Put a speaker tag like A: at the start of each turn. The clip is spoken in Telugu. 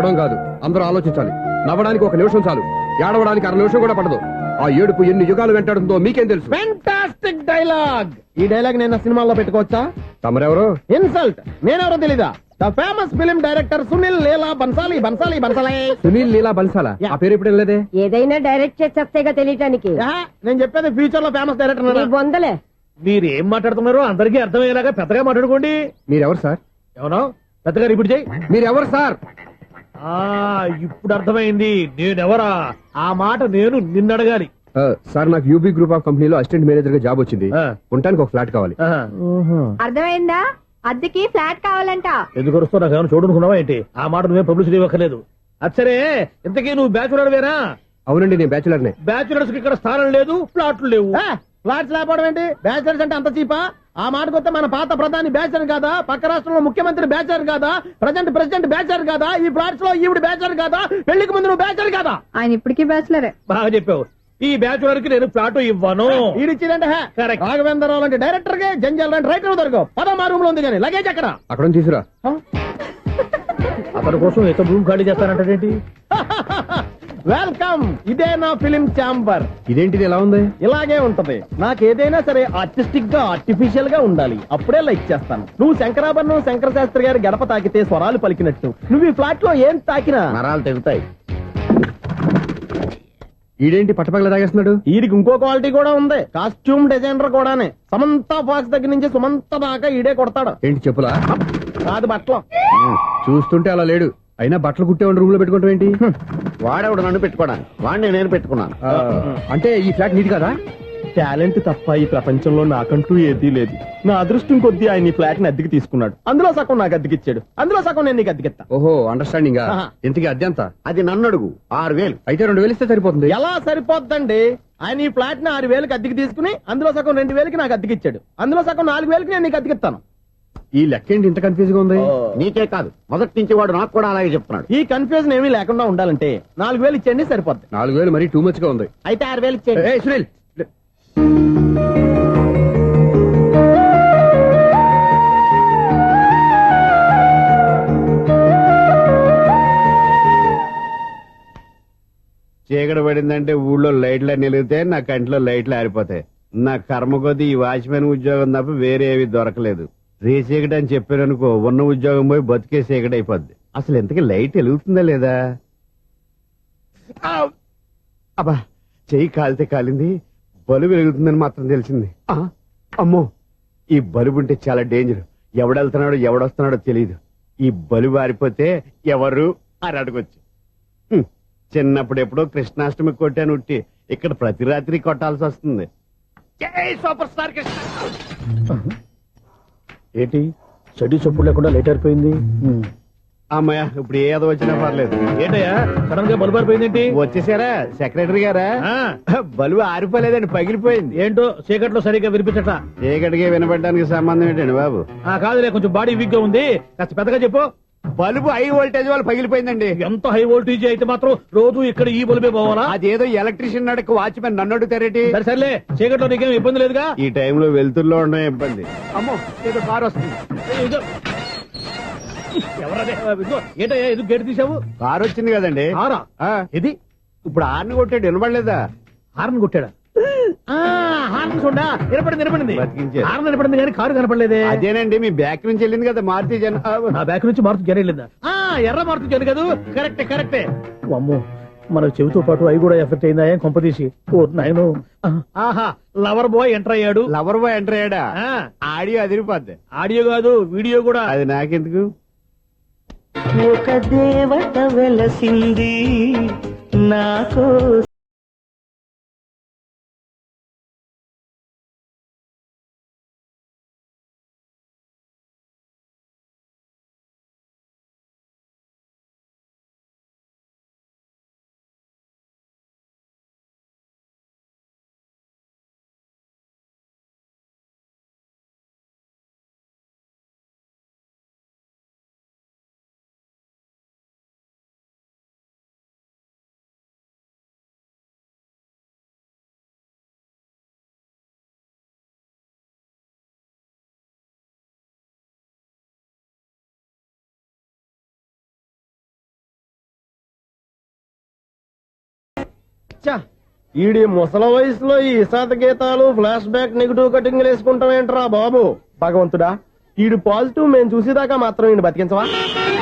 A: నవ్వడం కాదు, అందరూ ఆలోచించాలి. నవ్వడానికి 1 నిమిషం చాలు, ఏడవడానికి 1/2 నిమిషం కూడా పడదు. ఆ ఏడుపు ఎన్ని యుగాలు వెంటాడుతుందో మీకేం తెలుసు?
B: Fantastic dialogue. ఈ డైలాగ్ నేను సినిమాల్లో పెట్టుకోవచ్చా?
A: తమరెవరు?
B: ఇన్సల్ట్. నేనెవరో తెలీదా? The famous film director Sunil Leela Bhansali. Bhansali Bhansali
A: Sunil Leela బన్సాలా? ఆ పేరు ఎప్పుడు లేదే.
C: ఏదైనా డైరెక్ట్ చేసేస్తేగా తెలియటానికి.
B: నేను చెప్పేది ఫ్యూచర్ లో ఫేమస్ డైరెక్టర్.
C: బొందలే.
D: మీరు ఏం మాట్లాడుతున్నారో అందరికీ అర్థమయ్యేలాగా పెద్దగా మాట్లాడుకోండి.
A: మీరెవరు సార్?
D: ఎవరో పెద్దగా రిపీట్ చేయి.
A: మీరెవరు సార్?
D: ఇప్పుడు అర్థమైంది నేనెవరా. ఆ మాట నేను నిన్ను అడగాలి.
A: సార్, నాకు యూబీ గ్రూప్ ఆఫ్ కంపెనీలో అసిస్టెంట్ మేనేజర్ గా జాబ్ వచ్చింది. ఉండటానికి ఒక ఫ్లాట్ కావాలి.
C: అర్థమైందా? అద్దెకి ఫ్లాట్ కావాలంట.
D: ఎందుకు వస్తావు? నాకు ఏమైనా చూడనుకున్నావా ఏంటి? ఆ మాట నువ్వే పబ్లిసిటీ ఇవ్వక్కర్లేదు. అచ్చరే, ఇంతకీ నువ్వు బ్యాచులర్ వేరా?
A: అవునండి, నేను బ్యాచులర్ నే.
D: బ్యాచులర్స్ కి ఇక్కడ స్థానం లేదు, ఫ్లాట్లు లేవు.
B: ఫ్లాట్స్ లేకపోవడం ఏంటి? బ్యాచిలర్స్ అంటే అంత చీపా? ఆ మాటకొస్తే మన పాత ప్రధాని బ్యాచర్ కాదా? పక్క రాష్ట్రంలో ముఖ్యమంత్రి బ్యాచర్ కాదా? ప్రెసిడెంట్ బ్యాచర్ కాదా? ఈ ఫ్లాట్స్ లో ఈవిడ బ్యాచర్ కాదా? పెళ్లికి ముందు నువ్వు బ్యాచర్ కాదా?
C: ఆయన ఇప్పటికీ బ్యాచులరే.
D: బాగా చెప్పావు. ఈ బ్యాచులర్ కి నేను ఫ్లాట్ ఇవ్వను.
B: ఈడిచ్చిందంటే రాఘవేంద్రరావు లాంటి డైరెక్టర్ కి జంజల్ లాంటి రైటర్ దొరకవు. పదమా రూమ్ లో ఉంది కానీ లగేజ్ అక్కడ.
A: అక్కడ తీసుకురా.
D: అతని కోసం ఎంత రూమ్ ఖాళీ చేస్తానంటే
B: వెల్కమ్. ఇదే నా ఫిలిం ఛాంబర్.
A: ఇదేంటిది ఎలా ఉంది?
B: ఇలాగే ఉంటది. నాకు ఏదైనా సరే ఆర్టిస్టిక్ గా ఆర్టిఫిషియల్ గా ఉండాలి. అప్పుడే లైక్ చేస్తాను. నువ్వు శంకరాభరణం శంకర శాస్త్రి గారి గడప తాకితే స్వరాలు పలికినట్టు నువ్వు ఈ ఫ్లాట్ లో ఏం తాకినా
D: నరాలు తెగుతాయి.
A: ఈడేంటి పట్టపగల తాగేస్తున్నాడు?
B: వీడికి ఇంకో క్వాలిటీ కూడా ఉంది. కాస్ట్యూమ్ డిజైనర్ కూడానే. సమంత ఫాక్స్ దగ్గర నుంచి సుమంత దాకా ఈడే కొడతాడు.
A: ఏంటి చెప్పులా?
B: కాదు బట్టలు.
A: చూస్తుంటే అలా లేడు. అయినా బట్టలు కుట్టేవాడి రూమ్ లో పెట్టుకుంటాం ఏంటి?
E: వాడేవాడు నన్ను పెట్టుకోవడానికి, వాడిని నేను పెట్టుకున్నాను.
A: అంటే ఈ ఫ్లాట్ నీది కదా?
B: టాలెంట్ తప్ప ఈ ప్రపంచంలో నాకంటూ ఏదీ లేదు. నా అదృష్టం కొద్దీ ఆయన ఈ ఫ్లాట్ ని అద్దెకి తీసుకున్నాడు. అందులో సగం నాకు అద్దెకిచ్చాడు, అందులో సగం నేను నీకు అద్దెకిస్తా.
A: ఓహో, అండర్స్టాండింగ్. ఇంతకీ అద్దె ఎంత?
E: అది నన్ను అడుగు. 6,000.
A: అయితే 2,000 ఇస్తే సరిపోతుంది.
B: ఎలా సరిపోద్దండి? ఆయన ఈ ఫ్లాట్ ని 6,000కి అద్దెకి తీసుకుని అందులో సగం 2,000కి నాకు అద్దెకిచ్చాడు, అందులో సగం 4,000కి నేను నీకు అద్దెకిస్తాను.
A: ఈ లెక్క ఏంటి ఇంత కన్ఫ్యూజ్ గా ఉంది?
E: నీకే కాదు, మొదటి నుంచి వాడు నాకు కూడా అలాగే చెప్తున్నాడు.
B: ఈ కన్ఫ్యూజన్ ఏమీ లేకుండా ఉండాలంటే 4,000 ఇచ్చేయండి, సరిపోద్ది.
A: 4,000 మరీ టూ మచ్ గా ఉంది.
B: అయితే 6,000 ఇచ్చేయండి.
A: ఏయ్ సునీల్,
E: చీకటి పడిందంటే ఊళ్ళో లైట్లు నిలిగితే నా కంటిలో లైట్లు ఆరిపోతాయి. నా కర్మ కొద్దీ ఈ వాచ్మెన్ ఉద్యోగం తప్ప వేరే ఏవి దొరకలేదు. రేచీకటి అని చెప్పారనుకో, ఉన్న ఉద్యోగం పోయి బతికే చీకటి అయిపోద్ది. అసలు ఇంతకీ లైట్ వెలుగుతుందా లేదా? అబ్బా, చెయ్యి కాలితే కాలింది, బలుబు వెలుగుతుందని మాత్రం తెలిసింది. అమ్మో, ఈ బలుబు ఉంటే చాలా డేంజర్. ఎవడెళ్తున్నాడో ఎవడొస్తున్నాడో తెలియదు. ఈ బలుబు ఆరిపోతే ఎవరు అని అడగొచ్చు. చిన్నప్పుడు ఎప్పుడో కృష్ణాష్టమి కొట్టాను ఉట్టి, ఇక్కడ ప్రతి రాత్రి కొట్టాల్సి వస్తుంది. జై సూపర్ స్టార్ కృష్ణ.
D: ఏంటి చెడు చెప్పుడు లేకుండా లేట్ అయిపోయింది?
E: అమ్మయ్య, ఇప్పుడు ఏదో వచ్చినా పర్లేదు.
D: ఏంటయ్యా సడన్ గా బల్బు అయిపోయింది?
E: వచ్చేసారా సెక్రటరీ గారా? బలుబు ఆరిపోలేదండి, పగిలిపోయింది.
D: ఏంటో చీకట్లో సరిగ్గా వినిపించట.
E: చీకటికి వినపడడానికి సంబంధం ఏంటండి బాబు?
D: కాదులే, కొంచెం బాడీ వీక్ గా ఉంది, కాస్త పెద్దగా చెప్పు.
E: బల్బు హై వోల్టేజ్ వాళ్ళు పగిలిపోయిందండి.
D: ఎంత హై వోల్టేజ్ అయితే మాత్రం రోజు ఇక్కడ ఈ బల్బే పోవాలా?
E: అదేదో ఎలక్ట్రీషియన్ నడక వాచ్మెన్ నన్ను అడుగుతారేటి?
D: సర్లే, చీకట్లో నీకేం ఇబ్బంది లేదుగా?
E: ఈ టైంలో వెళ్తుల్లో ఉండడం ఇబ్బంది. అమ్మో, ఏదో కారు వస్తుంది.
D: ఎవరదే? ఏంటయ్యా ఎందుకు గేటు తీసావు?
E: కారు వచ్చింది కదండి.
D: కారా? ఇది
E: ఇప్పుడు హార్న్ కొట్టాడు, వినపడలేదా?
D: హార్న్ కొట్టాడా? హార్న్ చూడా నిలబడింది.
E: బతికించాడు.
D: హార్న్ నిలబడింది కానీ కారు కనపడలేదే.
E: అదేనండి, మీ బ్యాక్ నుంచి వెళ్ళింది కదా మారుతి జన.
D: నా బ్యాక్ నుంచి మారుతు జన వెళ్ళిందా? ఎర్ర మారుతు జన కదా. కరెక్టే. అమ్మో, మన చెవితో పాటు అవి కూడా ఎఫెక్ట్ అయిందా ఏం కొంపదీసి? ఓ నాయను. ఆహా, లవర్ బాయ్ ఎంటర్ అయ్యాడు.
E: లవర్ బాయ్ ఎంటర్ అయ్యాడా? ఆడియో అదిరిపోద్ది.
D: ఆడియో కాదు, వీడియో కూడా.
E: అది నాకెందుకు?
F: ఒక దేవత వెలసింది నాకో
B: ఛ, ఈడి ముసల వయసులో ఈ ఇసాత గీతాలు ఫ్లాష్ బ్యాక్ నెగిటివ్ కటింగ్ వేసుకుంటాం ఏంట్రా బాబు. భగవంతుడా, ఈడు పాజిటివ్ మేము చూసేదాకా మాత్రం ఈయన బతికించవా.